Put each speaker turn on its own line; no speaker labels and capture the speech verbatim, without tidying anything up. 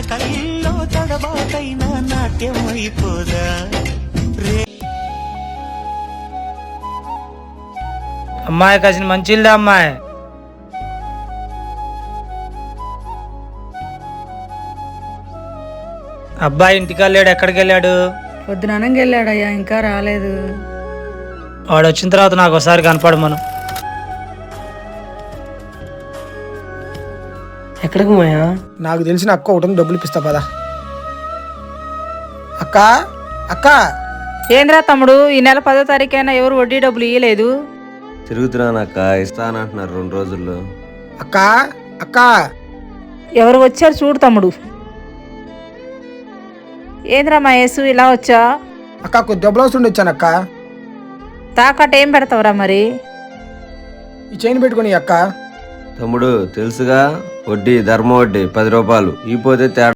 కళ్ళల్లో తడబాటైనా నాట్యం అయిపోదా.
అమ్మాయి కాసిన మంచిల్దా అమ్మాయి. అబ్బాయి ఇంటికి లేడు, ఎక్కడికి వెళ్ళాడు?
పొద్దుననంగా వెళ్ళాడయ్యా, ఇంకా రాలేదు.
వాడు వచ్చిన తర్వాత నాకు ఒకసారి కనపడు. మనం
ఎక్కడికి మాయా?
నాకు తెలిసిన అక్క ఒకటి డబ్బులు ఇప్పిస్తా పదా. అక్క అక్క
ఏంద్రా తమ్ముడు, ఈ నెల పదో తారీఖైనా ఎవరు వడ్డీ డబ్బులు ఇయ్యలేదు?
తిరుగుతున్నానక్క, ఇస్తానంటున్నారు రెండు రోజుల్లో.
అక్క అక్క
ఎవరు వచ్చారు చూడు తమ్ముడు. ఏంద్రా మా యేసు ఇలా వచ్చా?
అక్క కొద్ది డబ్బులు అవసరం వచ్చాను అక్క.
తాకట్టు ఏం పెడతావురా మరి?
ఈ చైన్ పెట్టుకుని అక్క.
తమ్ముడు తెలుసుగా, వడ్డీ ధర్మ వడ్డీ పది రూపాయలు. ఈ పోతే తేడా